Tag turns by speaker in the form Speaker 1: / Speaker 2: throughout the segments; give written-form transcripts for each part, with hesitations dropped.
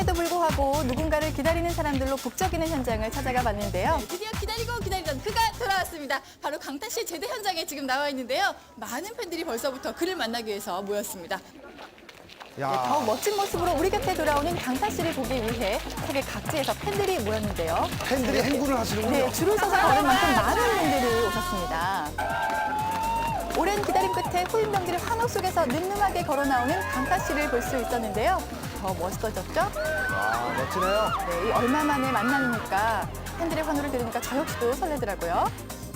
Speaker 1: 추운데도 불구하고 누군가를 기다리는 사람들로 북적이는 현장을 찾아가 봤는데요.
Speaker 2: 네, 드디어 기다리고 기다리던 그가 돌아왔습니다. 바로 강타 씨의 제대 현장에 지금 나와 있는데요. 많은 팬들이 벌써부터 그를 만나기 위해서 모였습니다.
Speaker 1: 더욱 멋진 모습으로 우리 곁에 돌아오는 강타 씨를 보기 위해 세계 각지에서 팬들이 모였는데요.
Speaker 3: 팬들이 행군을 하시는군요.
Speaker 1: 네, 줄을 서서 걸을 만큼 많은 분들이 오셨습니다. 오랜 기다림 끝에 후임 경기를 환호 속에서 늠름하게 걸어 나오는 강타 씨를 볼 수 있었는데요. 더 멋있어졌죠?
Speaker 3: 아, 멋지네요.
Speaker 1: 네, 이 얼마 만에 만나니까 팬들의 환호를 들으니까 저 역시도 설레더라고요.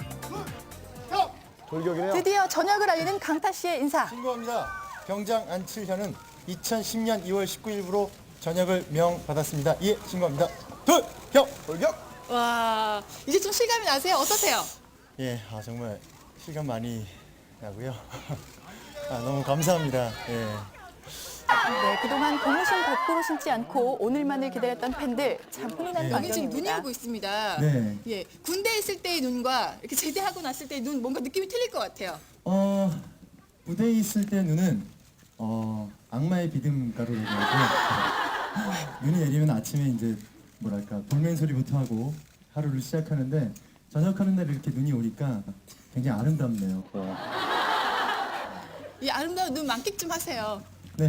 Speaker 3: 돌격이네요.
Speaker 1: 드디어 저녁을 알리는 강타 씨의 인사.
Speaker 4: 신고합니다. 병장 안칠현은 2010년 2월 19일부로 전역을 명받았습니다. 예, 신고합니다.
Speaker 3: 돌격!
Speaker 2: 와, 이제 좀 실감이 나세요? 어떠세요?
Speaker 4: 예, 정말 실감 많이 나고요. 너무 감사합니다. 예.
Speaker 1: 네, 그동안 고무신 거꾸로 신지 않고 오늘만을 기다렸던 팬들 참 훈훈한
Speaker 2: 여기 지금 눈이
Speaker 1: 광경입니다.
Speaker 2: 오고 있습니다.
Speaker 4: 네.
Speaker 2: 예, 군대에 있을 때의 눈과 이렇게 제대하고 났을 때의 눈 뭔가 느낌이 틀릴 것 같아요.
Speaker 4: 무대에 있을 때 눈은 악마의 비듬가루라고 하고 눈이 내리면 아침에 이제 뭐랄까 돌멩이 소리부터 하고 하루를 시작하는데 저녁하는 날 이렇게 눈이 오니까 굉장히 아름답네요.
Speaker 2: 이 아름다운 눈 만끽 좀 하세요.
Speaker 4: 네.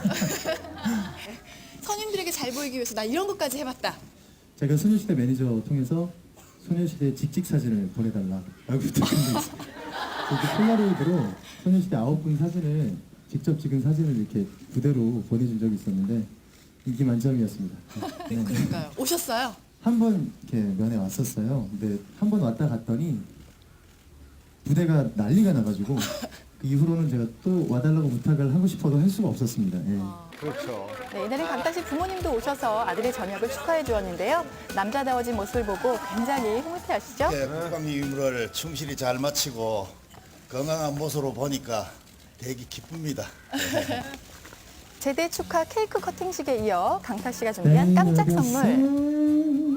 Speaker 2: 선임들에게 잘 보이기 위해서 나 이런 것까지 해봤다.
Speaker 4: 제가 소녀시대 매니저 통해서 소녀시대 직직 사진을 보내달라고 부탁한 게 있어요. 그 폴라로이드로 소녀시대 9분 사진을 직접 찍은 사진을 이렇게 부대로 보내준 적이 있었는데 인기 만점이었습니다. 네.
Speaker 2: 그러니까요. 오셨어요?
Speaker 4: 한 번 이렇게 면회 왔었어요. 근데 한 번 왔다 갔더니 부대가 난리가 나가지고 그 이후로는 제가 또 와달라고 부탁을 하고 싶어도 할 수가 없었습니다. 예.
Speaker 3: 그렇죠.
Speaker 1: 네, 이날은 강타 씨 부모님도 오셔서 아들의 저녁을 축하해 주었는데요. 남자다워진 모습을 보고 굉장히 흐뭇해하시죠?
Speaker 5: 예, 국방 임무를 충실히 잘 마치고 건강한 모습으로 보니까 되게 기쁩니다.
Speaker 1: 제대 축하 케이크 커팅식에 이어 강타 씨가 준비한 깜짝 선물.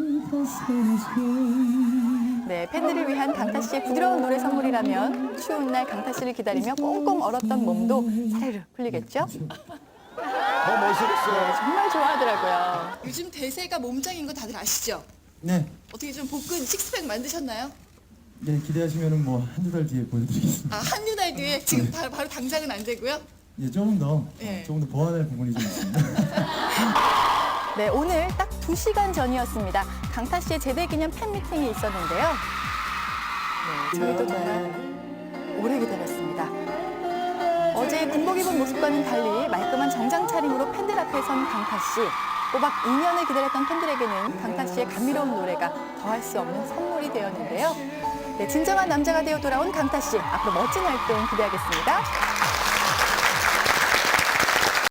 Speaker 1: 네, 팬들을 위한 강타 씨의 부드러운 노래 선물이라면 추운 날 강타 씨를 기다리며 꽁꽁 얼었던 몸도 사르르 풀리겠죠?
Speaker 3: 더 멋있겠어요.
Speaker 1: 정말 좋아하더라고요.
Speaker 2: 요즘 대세가 몸짱인 거 다들 아시죠?
Speaker 4: 네.
Speaker 2: 어떻게 좀 복근 식스팩 만드셨나요?
Speaker 4: 네, 기대하시면은 뭐 한두 달 뒤에 보여드리겠습니다.
Speaker 2: 한두 달 뒤에 지금 바로 당장은 안 되고요.
Speaker 4: 예, 조금 더
Speaker 2: 예.
Speaker 4: 조금 더 보완할 부분이 좀 있습니다.
Speaker 1: 네, 오늘 딱 2시간 전이었습니다. 강타 씨의 제대 기념 팬미팅이 있었는데요. 네, 저희도 정말 오래 기다렸습니다. 어제 군복 입은 모습과는 달리 말끔한 정장 차림으로 팬들 앞에 선 강타 씨. 꼬박 2년을 기다렸던 팬들에게는 강타 씨의 감미로운 노래가 더할 수 없는 선물이 되었는데요. 네, 진정한 남자가 되어 돌아온 강타 씨. 앞으로 멋진 활동 기대하겠습니다.